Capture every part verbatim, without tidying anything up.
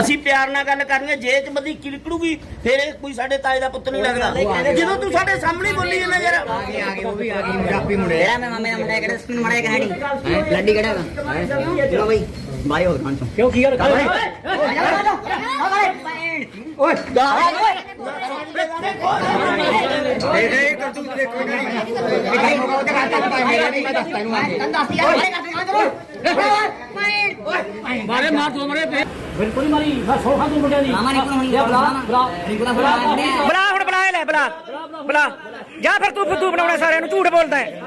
ਅਸੀਂ ਪਿਆਰ ਨਾਲ ਗੱਲ ਕਰਨੀ ਹੈ, ਜੇ ਚ ਬਦੀ ਕਿਲਕੜੂਗੀ ਫਿਰ ਕੋਈ ਸਾਡੇ ਤਾਏ ਦਾ ਪੁੱਤ ਨਹੀਂ ਲੱਗਦਾ। ਜਦੋਂ ਤੂੰ ਸਾਡੇ ਸਾਹਮਣੇ ਬੋਲੀ ਜਾਂਦਾ ਯਾਰ ਆ ਗਏ ਆ ਗਏ ਉਹ ਵੀ ਆ ਗਏ ਪੰਜਾਬੀ ਮੁੰਡੇ ਜਿਹੜਾ ਮੈਂ ਮਾਮੇ ਦਾ ਮੁੰਡਾ ਕਿਹੜਾ ਸਕੂਲ ਮੜਿਆ ਕਹਾਣੀ ਲੱਡੀ ਕਿਹੜਾ ਹੈ ਚਲੋ ਬਈ ਬਾਈ ਹੋ ਗਾਂ ਕਿਉਂ ਕੀ ਕਰ ਓਏ ਓਏ ਇਹ ਇਹ ਕਰਤੂਤ ਦੇਖੋ ਨਹੀਂ ਮੋਗਾ ਤੇ ਕਰਤਾ ਪਾਈ ਮੇਰਾ ਨਹੀਂ ਮੈਂ ਦੱਸਦਾ ਇਹਨੂੰ ਤੈਨੂੰ ਦੱਸ ਯਾਰ ਮਾਰੇ ਮਾਰ ਦੋ ਮਰੇ ਬਿਲਕੁਲ ਮਾਰੀ ਮੈਂ ਸੌਖਾ ਤੂੰ ਮੁੰਡਿਆਂ ਦੀ ਮਾਮਾ ਨਿਕਲ ਹੁਣ ਬੁਲਾ ਬੁਲਾ ਬੁਲਾ ਬੁਲਾ ਹੁਣ ਬੁਲਾ ਲੈ ਬੁਲਾ ਬੁਲਾ ਜਾਂ ਫਿਰ ਤੂੰ ਫੁੱਦੂ ਬਣਾਉਣਾ ਸਾਰਿਆਂ ਨੂੰ ਝੂਠ ਬੋਲਦਾ ਹੈ।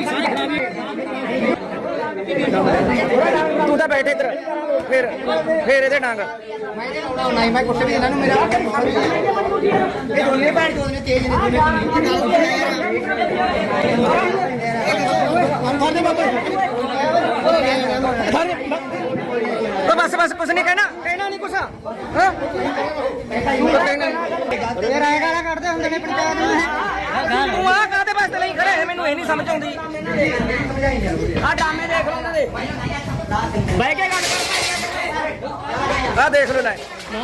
ਤੂੰ ਤਾਂ ਬੈਠੇ ਇੱਧਰ ਫਿਰ ਫਿਰ ਇਹਦੇ ਡਾਂਗ ਮੈਂ ਇਹਦੇ ਨਾਲ ਉਡਾਉਣਾ ਹੀ ਮੈਂ ਕੁੱਟ ਵੀ ਇਹਨਾਂ ਨੂੰ ਮੇਰਾ ਇਹ ਦੋਨੇ ਭੈਣ ਚੋਦ ਨੇ ਤੇਜ਼ ਨੇ ਦੋਨੇ ਉਹ ਬਸ ਬਸ ਕੁਛ ਨਹੀਂ ਕਹਿਣਾ ਕਹਿਣਾ ਨਹੀਂ ਕੁਛ ਹਾਂ ਇਹ ਰਾਏ ਗਾਲਾਂ ਕੱਢਦੇ ਹੁੰਦੇ ਨੇ ਪੰਚਾਇਤ ਨੂੰ ਤੂੰ ਆਹ ਕਾਹਦੇ ਵਾਸਤੇ ਲਈ ਖੜੇ ਮੈਨੂੰ ਇਹ ਨਹੀਂ ਸਮਝ ਆਉਂਦੀ। ਆਹ ਡਰਾਮੇ ਦੇਖ ਲਓ ਉਹਨਾਂ ਦੇ ਬਹਿ ਕੇ ਗੱਲ ਕਰ ਆਹ ਦੇਖ ਲਓ ਲੈ।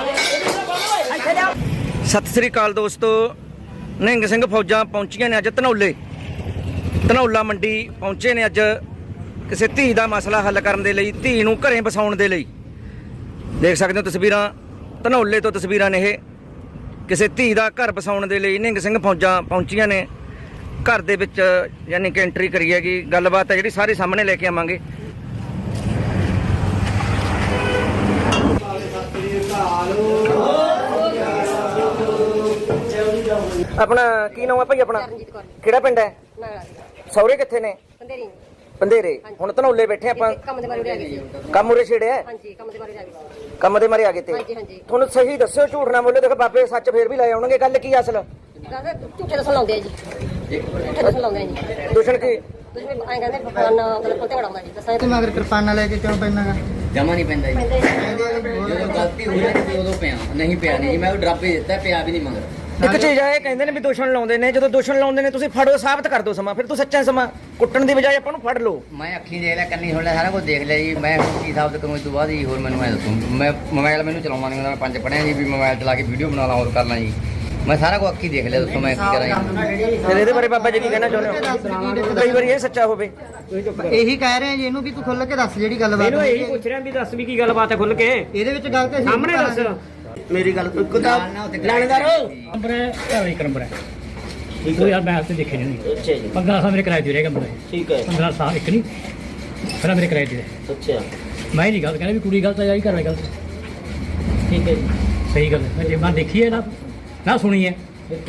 ਸਤਿ ਸ੍ਰੀ ਅਕਾਲ ਦੋਸਤੋ, ਨਿਹੰਗ ਸਿੰਘ ਫੌਜਾਂ ਪਹੁੰਚੀਆਂ ਨੇ ਅੱਜ ਧਨੌਲੇ ਧਨੌਲਾ ਮੰਡੀ ਪਹੁੰਚੇ ਨੇ ਅੱਜ ਕਿਸੇ ਧੀ ਦਾ ਮਸਲਾ ਹੱਲ ਕਰਨ ਦੇ ਲਈ, ਧੀ ਨੂੰ ਘਰੇ ਵਸਾਉਣ ਦੇ ਲਈ। ਦੇਖ ਸਕਦੇ ਹੋ ਤਸਵੀਰਾਂ ਧਨੌਲੇ ਤੋਂ ਤਸਵੀਰਾਂ ਨੇ ਇਹ ਕਿਸੇ ਧੀ ਦਾ ਘਰ ਵਸਾਉਣ ਦੇ ਲਈ ਨਿਹੰਗ ਸਿੰਘ ਫੌਜਾਂ ਪਹੁੰਚੀਆਂ ਨੇ। ਘਰ ਦੇ ਵਿੱਚ ਯਾਨੀ ਕਿ ਐਂਟਰੀ ਕਰੀ ਹੈਗੀ, ਗੱਲਬਾਤ ਹੈ ਜਿਹੜੀ ਸਾਰੇ ਸਾਹਮਣੇ ਲੈ ਕੇ ਆਵਾਂਗੇ। ਆਪਣਾ ਕੀ ਨਾਮ ਹੈ ਭਾਈ ਆਪਣਾ? ਕਿਹੜਾ ਪਿੰਡ ਹੈ? ਸਹੁਰੇ ਕਿੱਥੇ ਨੇ? ਪੰਧੇਰੇ। ਹੁਣ ਧਨੌਲੇ ਬੈਠੇ ਆਪਾਂ, ਕੰਮ ਦੇ ਬਾਰੇ ਆ ਗਏ ਜੀ। ਕੰਮ ਉਰੇ ਛੇੜਿਆ? ਹਾਂਜੀ, ਕੰਮ ਦੇ ਬਾਰੇ ਆ ਗਏ। ਕੰਮ ਦੇ ਮਾਰੇ ਆ ਗਏ ਤੇ ਹਾਂਜੀ ਹਾਂਜੀ। ਤੁਹਾਨੂੰ ਸਹੀ ਦੱਸਿਓ, ਝੂਠ ਨਾ ਬੋਲੇ। ਦੇਖ ਬਾਬੇ ਸੱਚ ਫੇਰ ਵੀ ਲੈ ਆਉਣਗੇ। ਗੱਲ ਕੀ ਅਸਲ? ਕਹਿੰਦੇ ਝੂਠੇ ਦੱਸਣ ਲਾਉਂਦੇ ਆ ਜੀ, ਝੂਠੇ ਦੱਸਣ ਲਾਉਂਦੇ ਆ ਜੀ। ਦੂਸ਼ਣ ਕੀ? ਤੁਸੀਂ ਵੀ ਐਂ ਕਹਿੰਦੇ ਫਲਾਨ ਮਤਲਬ ਕੋਤੇ ਵੜਾਉਂਦਾ ਜੀ, ਦੱਸਾਂ ਤੂੰ ਮਗਰ ਕਿਰਪਾਨਾਂ ਲੈ ਕੇ ਕਿਉਂ ਪੈਣਾਗਾ? ਜਮਾ ਨਹੀਂ ਪੈਂਦਾ ਜੀ। ਜਦੋਂ ਗਲਤੀ ਹੋਈ ਤੇ ਉਦੋਂ ਪਿਆ, ਨਹੀਂ ਪਿਆ ਨਹੀਂ ਜੀ। ਮੈਂ ਉਹ ਡਰਾਪੇ ਦਿੱਤਾ, ਪਿਆ ਵੀ ਨਹੀਂ ਮਗਰ। ਇੱਕ ਚੀਜ਼ ਆ, ਇਹ ਕਹਿੰਦੇ ਨੇ ਵੀ ਦੂਸ਼ਣ ਲਾਉਂਦੇ ਨੇ। ਜਦੋਂ ਦੂਸ਼ਣ ਲਾਉਂਦੇ ਨੇ ਤੁਸੀਂ ਫੜੋ, ਸਾਬਤ ਕਰ ਦਿਓ ਸਮਾਂ। ਫਿਰ ਤੂੰ ਸੱਚਾ ਸਮਾਂ ਕੁੱਟਣ ਦੀ ਬਜਾਏ ਆਪਾਂ ਨੂੰ ਫੜ ਲਓ। ਮੈਂ ਅੱਖੀਂ ਦੇਖ ਲਿਆ, ਕੰਨੀ ਸੁਣ ਲਿਆ, ਸਾਰਾ ਕੁਝ ਦੇਖ ਲਿਆ ਜੀ। ਮੈਂ ਹੁਣ ਕੀ ਸਾਬਤ ਕਰੂੰ ਇਸ ਤੋਂ ਬਾਅਦ ਜੀ? ਹੋਰ ਮੈਨੂੰ ਐ ਦੱਸੋ। ਮੈਂ ਮੋਬਾਈਲ ਮੈਨੂੰ ਚਲਾਉਣਾ ਨਹੀਂ ਆਉਂਦਾ, ਮੈਂ ਪੰਜ ਪੜ੍ਹਿਆ ਜੀ ਵੀ ਮੋਬਾਈਲ ਚਲਾ ਕੇ ਵੀਡੀਓ ਬਣਾ ਲਾਂ, ਹੋਰ ਕਰ ਲਾਂ ਜੀ। ਮੈਂ ਸਾਰਾ ਕੁਝ ਅੱਖੀਂ ਦੇਖ ਲਿਆ, ਦੱਸੋ ਮੈਂ ਕੀ ਕਰਾਂ ਜੀ? ਫਿਰ ਇਹਦੇ ਬਾਰੇ ਬਾਬਾ ਜੀ ਕੀ ਕਹਿਣਾ ਚਾਹੁੰਦੇ ਹੋ? ਕਈ ਵਾਰੀ ਇਹ ਸੱਚਾ ਹੋਵੇ। ਇਹੀ ਕਹਿ ਰਹੇ ਆ ਜੀ ਇਹਨੂੰ ਵੀ ਤੂੰ ਖੁੱਲ ਕੇ ਦੱਸ ਜਿਹੜੀ ਗੱਲਬਾਤ ਇਹਨੂੰ ਇਹੀ ਪੁੱਛ ਰਿਹਾ ਵੀ ਦੱਸ ਵੀ ਕੀ ਗੱਲਬਾਤ ਹੈ ਖੁੱਲ ਕੇ ਇਹਦੇ ਵਿੱਚ ਗੱਲ ਤੇ ਸਾਹਮਣੇ ਦੱਸ। ਮੇਰੀ ਗੱਲ ਕੋਈ ਕਿਤਾਬ ਲਾਣੇਦਾਰੋ ਨੰਬਰ ਹੈ ਇੱਕ ਨੰਬਰ ਹੈ ਕੋਈ ਯਾਰ ਮੈਂ ਤੇ ਦੇਖੇ ਨਹੀਂ। ਅੱਛਾ ਜੀ, ਪੰਦਰਾਂ ਸਾਲ ਮੇਰੇ ਕਿਰਾਏ ਤੇ ਰਹੇਗਾ ਮੁੰਡਾ, ਠੀਕ ਹੈ। ਪੰਦਰਾਂ ਸਾਲ ਇੱਕ ਨਹੀਂ ਪਹਿਲਾਂ ਮੇਰੇ ਕਿਰਾਏ ਤੇ ਰਹੇ। ਅੱਛਾ ਮੈਂ ਨਹੀਂ ਗੱਲ ਕਹਿੰਦਾ ਵੀ ਕੁੜੀ ਗਲਤ ਹੈ ਜਾਂ ਘਰ ਵਾਲੀ ਗਲਤ। ਠੀਕ ਹੈ ਜੀ, ਸਹੀ ਗੱਲ ਹੈ। ਮੈਂ ਜੇ ਮੈਂ ਦੇਖੀ ਹੈ ਨਾ ਨਾ ਸੁਣੀ ਹੈ।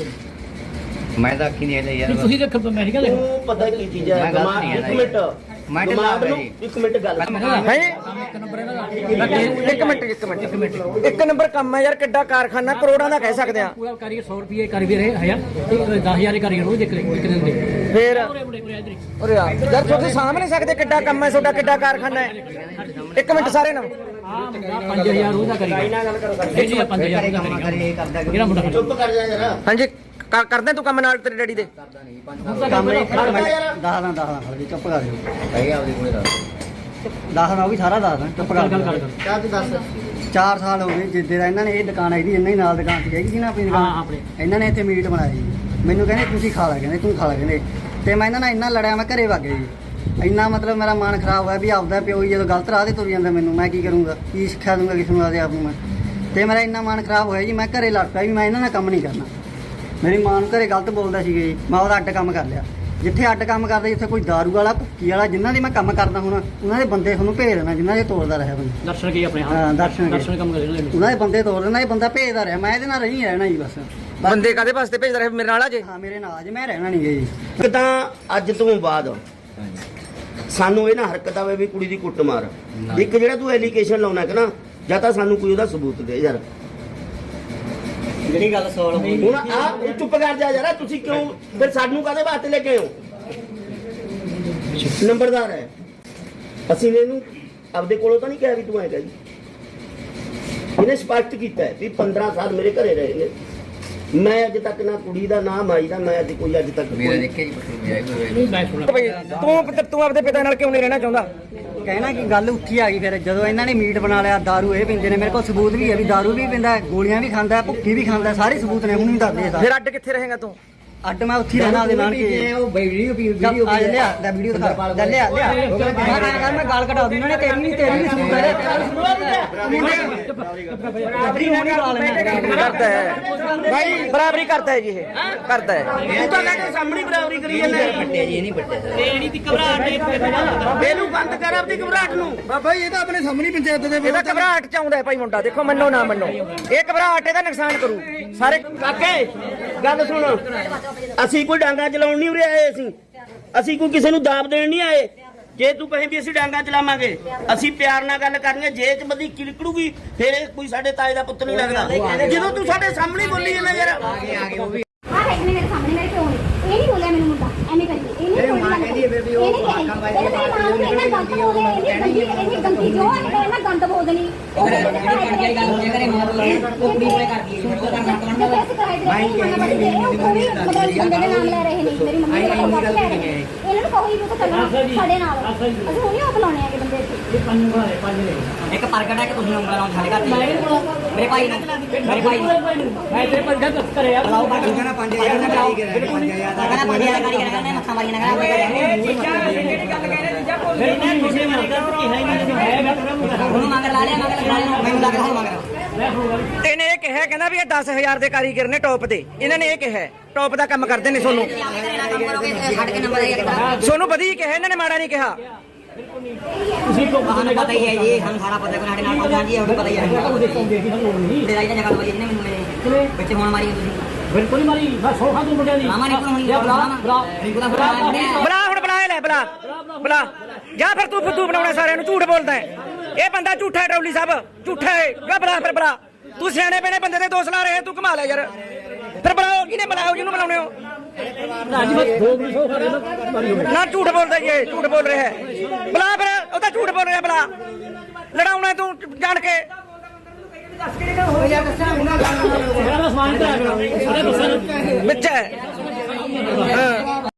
ਮੈਂ ਤਾਂ ਅੱਖੀਂ ਦੇਖ ਲਿਆ ਯਾਰ। ਤੁਸੀਂ ਦੇਖੋ ਮੈਂ ਨਹੀਂ ਕਹਿੰਦਾ ਤੂੰ ਪਤਾ ਕੀ ਚੀਜ਼ ਹੈ? ਮੈਂ ਗਲਤ ਦਿਮਾਗ- ਨਹੀਂ ਇੱਕ ਹੈ ਮਿੰਟ ਮੈਂ ਦਿਮਾਗ ਢਿੱਲਾ ਨੂੰ ਜੀ। ਇੱਕ ਮਿੰਟ ਗੱਲ ਹੈ ਇੱਕ ਨੰਬਰ ਇਹਦਾ ਇੱਕ ਮਿੰਟ ਇੱਕ ਮਿੰਟ ਇੱਕ ਮਿੰਟ ਇੱਕ ਨੰਬਰ ਕੰਮ ਹੈ ਯਾਰ। ਕਿੱਡਾ ਕਾਰਖਾਨਾ, ਕਰੋੜਾਂ ਦਾ ਕਹਿ ਸਕਦੇ ਆ। ਪੂਰਾ ਕਾਰੀਗਰ ਸੌ ਰੁਪਏ ਕਾਰੀਗਰ ਹੈ ਹਜ਼ਾਰ ਦਸ ਹਜ਼ਾਰ ਦੇ ਕਾਰੀਗਰ ਉਹ ਦੇਖ ਲੈ ਇੱਕ ਦਿਨ ਦੇ। ਫਿਰ ਉਰੇ ਉਰੇ ਉਰੇ ਇੱਧਰ ਹੀ। ਉਰੇ ਆ ਯਾਰ, ਤੁਸੀਂ ਸਾਂਭ ਨਹੀਂ ਸਕਦੇ ਕਿੱਡਾ ਕੰਮ ਹੈ ਤੁਹਾਡਾ, ਕਿੱਡਾ ਕਾਰਖਾਨਾ ਹੈ। ਇੱਕ ਮਿੰਟ ਸਾਰੇ ਨਾ ਆਹ ਮੁੰਡਾ ਪੰਜ ਹਜ਼ਾਰ ਉਹਦਾ ਕਾਰੀਗਰ ਇਹ ਜੀ ਪੰਜ ਹਜ਼ਾਰ ਉਹਦਾ ਕਾਰੀਗਰ ਜਿਹੜਾ ਮੁੰਡਾ ਚੁੱਪ ਕਰ ਜਾ ਯਾਰ। ਹਾਂਜੀ ਕਰ- ਕਰਦੇ ਤੂੰ ਕੰਮ ਨਾਲ ਤੇਰੇ ਡੈਡੀ ਦੇ? ਕੰਮ ਇਹ ਦਸ ਨਾ ਦਸ ਨਾ ਖੜ ਜੀ ਚੁੱਪ ਕਰ ਜਾ। ਭਾਈ ਆਪਦੇ ਕੋਲੇ ਦੱਸ। ਦਸ ਨਾ ਉਹ ਵੀ ਸਾਰਾ ਦੱਸ ਚੁੱਪ ਕਰ ਗੱਲ ਕਰ ਕਿਆ ਤੂੰ ਦੱਸ। ਚਾਰ ਸਾਲ ਹੋ ਗਏ ਜਿੱਦੇ ਦਾ ਇਹਨਾਂ ਨੇ ਇਹ ਦੁਕਾਨ ਆਈ ਦੀ, ਇਹਨਾਂ ਹੀ ਨਾਲ ਦੁਕਾਨ ਤੇ ਹੈਗੀ ਸੀ ਨਾ ਆਪਣੀ ਹਾਂ ਦੁਕਾਨ। ਆਪਣੇ ਇਹਨਾਂ ਨੇ ਇੱਥੇ ਮੀਟ ਬਣਾਇਆ ਜੀ। ਮੈਨੂੰ ਕਹਿੰਦੇ ਤੁਸੀਂ ਖਾ ਲੈ, ਕਹਿੰਦੇ ਤੂੰ ਖਾ ਲੈ ਕਹਿੰਦੇ। ਤੇ ਮੈਂ ਇਹਨਾਂ ਨਾਲ ਇੰਨਾ ਲੜਿਆ, ਮੈਂ ਘਰੇ ਵਗ ਗਿਆ ਜੀ। ਇੰਨਾ ਮਤਲਬ ਮੇਰਾ ਮਨ ਖਰਾਬ ਹੋਇਆ ਵੀ ਆਪਦਾ ਪਿਓ ਹੀ ਜਦੋਂ ਗਲਤ ਰਾਹ ਤੇ ਤੁਰ ਜਾਂਦਾ, ਮੈਨੂੰ ਮੈਂ ਕੀ ਕਰੂੰਗਾ, ਕੀ ਸਿੱਖਿਆ ਦੂੰਗਾ ਕਿਸ ਨੂੰ ਆਪਦੇ ਆਪ ਨੂੰ ਮੈਂ। ਤੇ ਮੇਰਾ ਇੰਨਾ ਮਨ ਖਰਾਬ ਹੋਇਆ ਜੀ, ਮੈਂ ਘਰੇ ਲੜ ਪਿਆ ਵੀ ਮੈਂ ਇਹਨਾਂ ਨਾਲ ਕੰਮ ਨਹੀਂ ਕਰਨਾ। ਮੇਰੀ ਮਾਂ ਨੂੰ ਘਰੇ ਗਲਤ ਬੋਲਦਾ ਸੀਗਾ ਜੀ, ਮੈਂ ਉਹਦਾ ਅੱਡ ਕੰਮ ਕਰ ਲਿਆ। ਜਿੱਥੇ ਅੱਡ ਕੰਮ ਕਰਦਾ, ਜਿੱਥੇ ਕੋਈ ਦਾਰੂ ਵਾਲਾ ਭੁੱਕੀ ਵਾਲਾ ਜਿਨ੍ਹਾਂ ਦੀ ਮੈਂ ਕੰਮ ਕਰਦਾ ਹੁਣ, ਉਹਨਾਂ ਦੇ ਬੰਦੇ ਤੁਹਾਨੂੰ ਭੇਜ ਦੇਣਾ, ਜਿਨ੍ਹਾਂ ਦੇ ਤੋੜਦਾ ਰਿਹਾ ਬੰਦਾ। ਦਰਸ਼ਨ ਕੀ ਆਪਣੇ ਹਾਂ ਦਰਸ਼ਨ ਦਰਸ਼ਨ ਕੰਮ ਕਰੇ ਨਾ ਉਹਨਾਂ ਦੇ ਬੰਦੇ ਤੋੜ ਦੇਣਾ, ਇਹ ਬੰਦਾ ਭੇਜਦਾ ਰਿਹਾ। ਮੈਂ ਇਹਦੇ ਨਾਲ ਰਹੀ ਰਹਿਣਾ ਜੀ ਬਸ। ਬੰਦੇ ਕਾਦੇ ਵਾਸਤੇ ਭੇਜਦਾ ਰਹੇ ਮੇਰੇ ਨਾਲ ਆ ਜੇ? ਹਾਂ ਮੇਰੇ ਨਾਲ ਅੱਜ ਮੈਂ ਰਹਿਣਾ ਨਹੀਂ ਗਾ ਜੀ। ਇੱਕ ਤਾਂ ਅੱਜ ਤੋਂ ਬਾਅਦ ਸਾਨੂੰ ਇਹ ਨਾ ਹਰਕਤ ਆਵੇ ਵੀ ਕੁੜੀ ਦੀ ਕੁੱਟ ਮਾਰ। ਇੱਕ ਜਿਹੜਾ ਤੂੰ ਐਲੀਗੇਸ਼ਨ ਲਾਉਣਾ ਕਿ ਨਾ, ਜਾਂ ਤਾਂ ਸਾਨੂੰ ਕੋਈ ਉਹਦਾ ਸਬੂਤ ਦੇ ਯਾਰ। ਜਿਹੜੀ ਗੱਲ ਸੋਲ ਹੋਈ ਹੁਣ ਆ ਚੁੱਪ ਕਰ ਜਾ ਯਾਰ। ਤੁਸੀਂ ਕਿਉਂ ਫਿਰ ਸਾਨੂੰ ਕਾਹਦੇ ਵਾਸਤੇ ਲੈ ਕੇ ਆਏ ਹੋ? ਨੰਬਰਦਾਰ ਹੈ, ਅਸੀਂ ਨੇ ਇਹਨੂੰ ਆਪਦੇ ਕੋਲੋਂ ਤਾਂ ਨਹੀਂ ਕਿਹਾ ਵੀ ਤੂੰ ਐਂ ਕਹਿ ਜੀ। ਇਹਨੇ ਸਪਸ਼ਟ ਕੀਤਾ ਹੈ ਵੀ ਪੰਦਰਾਂ ਸਾਲ ਮੇਰੇ ਘਰੇ ਰਹੇ ਨੇ। ਮੈਂ ਅੱਜ ਤੱਕ ਨਾ ਕੁੜੀ ਦਾ ਨਾ ਮਾਈ ਦਾ ਮੈਂ ਅੱਜ ਕੋਈ ਅੱਜ ਤੱਕ ਮੇਰਾ ਦੇਖਿਆ ਜੀ ਪਸੰਦ ਆਇਆ ਕੋਈ ਨਹੀਂ ਮੈਂ ਸੁਣਾ ਭਾਈ ਤੂੰ ਤੂੰ ਆਪਦੇ ਪਿਤਾ ਨਾਲ ਕਿਉਂ ਨਹੀਂ ਰਹਿਣਾ ਚਾਹੁੰਦਾ? ਕਹਿਣਾ ਕਿ ਗੱਲ ਉੱਠੀ ਆ ਗਈ ਫਿਰ ਜਦੋਂ ਇਹਨਾਂ ਨੇ ਮੀਟ ਬਣਾ ਲਿਆ ਦਾਰੂ ਇਹ ਪੀਂਦੇ ਨੇ ਮੇਰੇ ਕੋਲ ਸਬੂਤ ਵੀ ਹੈ ਵੀ ਦਾਰੂ ਵੀ ਪੀਂਦਾ ਗੋਲੀਆਂ ਵੀ ਖਾਂਦਾ ਭੁੱਕੀ ਵੀ ਖਾਂਦਾ ਸਾਰੇ ਸਬੂਤ ਨੇ ਹੁਣ ਵੀ ਦੱਸਦੇ ਸਾਰੇ ਫਿਰ ਅੱਡ ਕਿੱਥੇ ਰਹੇਗਾ ਤੂੰ? ਅੱਡ ਮੈਂ ਉੱਥੇ ਹੀ ਰਹਿਣਾ ਉਹਦੇ ਨਾਲ ਕਿ ਉਹ ਵੀਡੀਓ ਵੀਡੀਓ ਆ ਲਿਆ ਲੈ ਵੀਡੀਓ ਦਿਖਾ ਲੈ ਲਿਆ ਲਿਆ ਮੈਂ ਕਹਿੰਦਾ ਮੈਂ ਗਾਲ ਕਢਾ ਦੂੰ ਇਹਨਾਂ ਨੇ ਤੇਰੀ ਨਹੀਂ ਤੇਰੀ ਵੀ ਸਬੂਤ ਹੈ ਤੇਰਾ ਵੀ ਸਬੂਤ ਹੈ ਬਰਾਬਰੀ ਹੋਣੀ ਲਾ ਲੈਣਾ ਕਰਦਾ ਹੈ ਭਾਈ, ਬਰਾਬਰੀ ਕਰਦਾ ਹੈ ਜੀ ਇਹ ਕਰਦਾ ਹੈ। ਤੂੰ ਤਾਂ ਕਹਿੰਦਾ ਸਾਹਮਣੇ ਬਰਾਬਰੀ ਕਰੀ ਜਾਂਦਾ ਪੱਟੇ ਜੀ ਨਹੀਂ ਪੱਟੇ ਸਰ ਇਹਨੂੰ ਬੰਦ ਕਰ ਆਪਣੀ ਘਬਰਾਹਟ ਨੂੰ। ਬਾਬਾ ਇਹ ਤਾਂ ਆਪਣੇ ਸਾਹਮਣੇ ਪੰਚਾਇਤ ਦੇ ਇਹਦਾ ਘਬਰਾਹਟ ਚ ਆਉਂਦਾ ਹੈ ਭਾਈ ਮੁੰਡਾ, ਦੇਖੋ ਮੰਨੋ ਨਾ ਮੰਨੋ, ਇਹ ਘਬਰਾਹਟ ਇਹਦਾ ਨੁਕਸਾਨ ਕਰੂ ਸਾਰੇ। ਕਾਕੇ ਗੱਲ ਸੁਣ, ਅਸੀਂ ਕੋਈ ਡਾਂਗਾ ਚਲਾਉਣ ਨਹੀਂ ਉਰੇ ਆਏ, ਅਸੀਂ ਅਸੀਂ ਕੋਈ ਕਿਸੇ ਨੂੰ ਦਾਬ ਦੇਣ ਨਹੀਂ ਆਏ। ਜੇ ਤੂੰ ਕਹੇ ਵੀ ਅਸੀਂ ਡਾਂਗਾ ਚਲਾਵਾਂਗੇ, ਅਸੀਂ ਪਿਆਰ ਨਾਲ ਗੱਲ ਕਰਨੀ ਹੈ। ਜੇ ਚ ਬਦੀ ਕਿਲਕੜੂਗੀ ਫਿਰ ਇਹ ਕੋਈ ਸਾਡੇ ਤਾਏ ਦਾ ਪੁੱਤ ਨਹੀਂ ਲੱਗਦਾ। ਜਦੋਂ ਤੂੰ ਸਾਡੇ ਸਾਹਮਣੇ ਬੋਲੀ ਜਾਂਦਾ ਯਾਰ, ਆ ਦੇਖ ਮੇਰੇ ਸਾਹਮਣੇ ਮੇਰੇ ਪਿਓ ਨੇ ਇਹ ਨਹੀਂ ਬੋਲਿਆ ਮੈਨੂੰ ਮੁੰਡਾ ਐਵੇਂ ਕਰੀ ਇਹ ਨਹੀਂ ਬੋਲਿਆ ਕਹਿੰਦੀ ਹੈ ਬੇਬੀ ਉਹ ਆਖਾਂ ਬਾਈ ਇਹ ਗੰਦੀ ਗੰਦੀ ਉਹ ਕਹਿੰਦੀ ਇਹ ਗੰਦੀ ਜੋ ਹੈ ਇਹਨਾਂ ਗੰਦ ਬੋਲਣੀ ਉਹ ਜਿਹੜੀ ਗੱਲ ਹੋ ਕਰੇ ਮਾਰ ਲੈ ਉਹ ਕੁੜੀ ਕੋਲੇ ਕਰਦੀ ਹੈ ਉਹ ਕਰਨਾ ਕਰਨਾ ਬਾਈ ਮਤਲਬ ਬੰਦੇ ਦੇ ਨਾਮ ਲੈ ਰਹੇ ਨੇ ਮੇਰੀ ਮੰਮੀ ਦਾ ਨਾਮ ਲੈ ਰਹੇ ਨੇ ਇਹਨਾਂ ਨੂੰ ਕਹੋ ਹੀ ਵੀ ਚੱਲਣਾ ਸਾਡੇ ਨਾਲ ਅਸੀਂ ਹੁਣੇ ਉਹ ਬੁਲਾਉਣੇ ਆਗੇ ਬੰਦੇ ਇੱਥੇ ਇਹ ਪੰਜ ਵਾਲੇ ਪੰਜ ਨੇ ਇੱਕ ਪ੍ਰਗਟ ਹੈ ਕਿ ਤੁਸੀਂ ਉਂਗਲਾਂ ਨਾਲ ਸਾਡੇ ਘਰ ਮੇਰੇ ਭਾਈ ਨੂੰ ਮੇਰੇ ਭਾਈ ਨੂੰ ਮੈਂ ਤੇਰੇ ਪਰ ਗੱਲ ਕਰਿਆ ਬੁਲਾਓ ਬਾਕੀ ਕਹਿੰਦਾ ਪੰਜ ਹਜ਼ਾਰ ਦਾ ਕਾਰੀ ਕਰੇ ਪੰਜ ਹਜ਼ਾਰ ਦਾ ਕਹਿੰਦਾ ਪੰਜ ਹਜ਼ਾਰ ਕਾਰੀ ਕਰੇ ਮੱਥਾ ਮਾਰੀ ਨਾ ਉਹਨੂੰ ਮਗਰ ਲਾ ਲਿਆ ਮਗਰ ਲਾ ਲਿਆ ਮੈਨੂੰ ਲੱਗ ਰਿਹਾ ਮਗਰ ਇਹਨੇ ਇਹ ਕਿਹਾ ਕਹਿੰਦਾ ਵੀ ਇਹ ਦਸ ਹਜ਼ਾਰ ਦੇ ਕਾਰੀਗਰ ਨੇ ਟੌਪ ਦੇ, ਇਹਨਾਂ ਨੇ ਇਹ ਕਿਹਾ ਟੌਪ ਦਾ ਕੰਮ ਕਰਦੇ ਨੇ। ਸੋਨੂੰ ਛੱਡ ਕੇ ਨੰਬਰ ਆਇਆ ਸੋਨੂੰ ਵਧੀਆ ਕਿਹਾ, ਇਹਨਾਂ ਨੇ ਮਾੜਾ ਨਹੀਂ ਕਿਹਾ। ਤੁਸੀਂ ਕੋ ਸਾਨੂੰ ਪਤਾ ਹੀ ਹੈ ਜੀ, ਸਾਨੂੰ ਸਾਰਾ ਪਤਾ ਕਿ ਸਾਡੇ ਨਾਲ ਪਹੁੰਚਾ ਜੀ ਉਹ ਪਤਾ ਹੀ ਹੈ ਦੇਖੋਗੇ ਕਿ ਸਾਨੂੰ ਨਹੀਂ ਤੇਰਾ ਇਹਦਾ ਜਗ੍ਹਾ ਵਾਲੀ ਜਿਹਨੇ ਮੈਨੂੰ ਮੇਰੇ ਵਿੱਚ ਹੁਣ ਮਾਰੀ ਤੁਸੀਂ ਬਿਲਕੁਲ ਮਾਰੀ ਬਸ ਸੋਖਾ ਤੂੰ ਮੁੰਡਿਆਂ ਦੀ ਮਾਮਾ ਨਿਕਲ ਹੋਣੀ ਬਲਾ ਬਲਾ ਨਿਕਲ ਬੁਲਾ ਬੁਲਾ ਹੁਣ ਬੁਲਾ ਇਹ ਲੈ ਬੁਲਾ ਬੁਲਾ ਜਾਂ ਫਿਰ ਤੂੰ ਫੁੱਦੂ ਬਣਾਉਣਾ ਸਾਰਿਆਂ ਨੂੰ, ਝੂਠ ਬੋਲਦਾ ਹੈ ਇਹ ਬੰਦਾ ਝੂਠਾ ਹੈ। ਟੌਲੀ ਸਾਹਿਬ ਝੂਠਾ ਹੈ, ਜਾ ਬੁਲਾ ਫਿਰ ਬੁਲਾ। ਤੂੰ ਸਿਆਣੇ ਬਣੇ ਬੰਦੇ ਦੇ ਦੋਸ਼ ਲਾ ਰਹੇ ਤੂੰ ਕਮਾ ਲੈ ਯਾਰ। ਫਿਰ ਬੁਲਾਓ, ਕਿਹਨੇ ਬੁਲਾਓ ਜਿਹਨੂੰ ਬੁਲਾਉਣੇ ਹੋ। ਅੱਜ ਬਸ ਦੋ ਮਿੰਟ ਸੋਖਾ ਦੇ ਮਾਰੀ ਹੋਵੇ ਨਾ ਝੂਠ ਬੋਲਦਾ ਜੀ ਇਹ, ਝੂਠ ਬੋਲ ਰਿਹਾ ਹੈ। ਬੁਲਾ ਫਿਰ, ਉਹ ਤਾਂ ਝੂਠ ਬੋਲ ਰਿਹਾ, ਬੁਲਾ। ਲੜਾਉਣਾ ਤੂੰ ਜਾਣ ਕੇ। ਮੇਰਾ ਸਮਾਨ ਤੇ ਆ ਗਿਆ ਸਾਰੇ ਦੱਸਣ ਵਿੱਚ ਹੈ ਹਾਂ।